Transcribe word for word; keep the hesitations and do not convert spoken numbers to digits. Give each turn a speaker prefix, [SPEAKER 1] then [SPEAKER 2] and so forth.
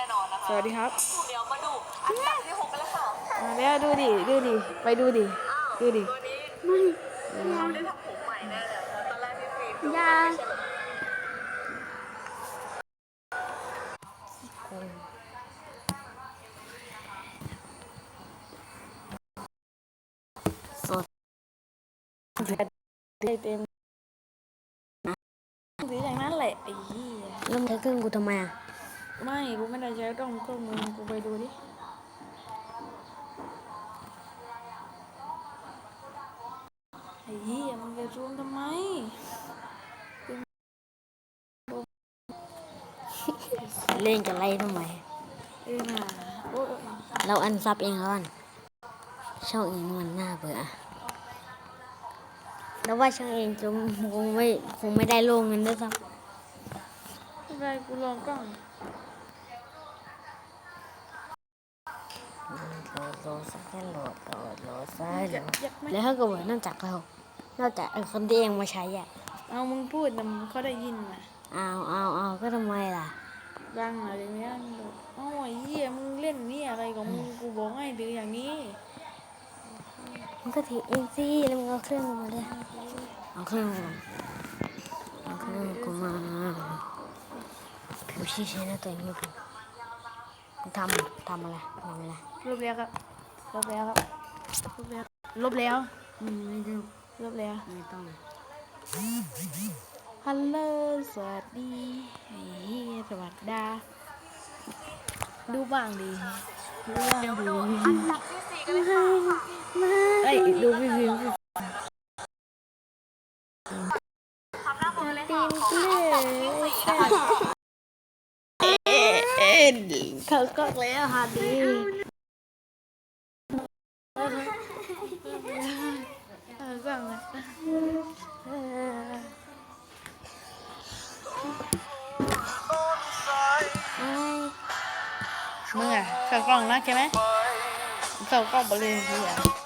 [SPEAKER 1] น่นอนนะคะ
[SPEAKER 2] สวัสดีครับ
[SPEAKER 1] เดี๋ยวมาดูอันดับที่หกกันเลยค่ะ
[SPEAKER 2] มาแล้วดูดิดูดิไปดูดิดูดิ
[SPEAKER 1] ตัวนี้เขาได้ทำผมใหม่แน่เลยตอนแรกพี่ฟิล์มดู
[SPEAKER 3] ยา
[SPEAKER 1] ไม่ใช่เลย
[SPEAKER 3] สด
[SPEAKER 2] ได้เต็มสีอย่างนั้นแหละไอ้เหี้ย
[SPEAKER 3] เริ่มใช้เครื่องกูทำไมอ่ะ
[SPEAKER 2] ไม่กูไม่ได้ใช้กล้องกล้องมึงกูไปดูดิไอ้เหี้ยมันจะซูมทำไม
[SPEAKER 3] เล่นกับไรทำไม
[SPEAKER 2] เออน่ะโอ้ย
[SPEAKER 3] เราอันซับเองแล้วกันช่องเองมันน่าเบื่อแล้วว่าช่องเองจะคงไม่คงไม่ได้ลงเงินด้วยซ้
[SPEAKER 2] ไม่เป็นไรกูลองกล้อง
[SPEAKER 3] ำโหลดโหลดสักแค่โหลดโหลดโหลดซ้ายโหล
[SPEAKER 2] อยาก
[SPEAKER 3] ด
[SPEAKER 2] อยากไหม
[SPEAKER 3] แล้วถ้าเกิดว่านอกจากเรานอกจากไอ้คนที่เองมาใช้อ่ะ
[SPEAKER 2] เอามึงพูดแต่เขาได้ยินน่ะ
[SPEAKER 3] เอาเอาเอาก็ทำไมล่ะ
[SPEAKER 2] ดังอะไรเงี้ยโอ้ยเหี้ยมึงเล่นนี่อะไรของมึงกูบอกให้ดื้ออย่างนี้
[SPEAKER 3] มันก็ถือเองสิแล้วมึงเอาเครื่องมาเลยเอาเครื่องมาเอาเครื่องกูมาผิวชี้ใช้หน้าตัวเองไม่ผิวทำทำอะไรทำอะไร
[SPEAKER 2] ลบแล้วครับลบแล้วครับลบแล้วลบแล้ว
[SPEAKER 3] อืมไม่ต้อง
[SPEAKER 2] ลบแล้ว
[SPEAKER 3] ไม่ต้อง
[SPEAKER 2] ฮัลโหลสวัสดีไอ้เหี้ยสวัสดีดูบ้างดิดูบ้างดิ
[SPEAKER 1] อันดับที่สี่กันเลยค่ะ
[SPEAKER 2] ไอ้ยดูพี่พิมพ์
[SPEAKER 1] ทำหน้ามือเลย
[SPEAKER 2] ตี
[SPEAKER 1] ค่ะ
[SPEAKER 2] นเกลือเอ็นเขาก็แล้วฮะดีเออสั่งเลยมึงอ่ะเข้ากล้องนะใช่ไหมเข้ากล้องไปเลยพี่อ่ะ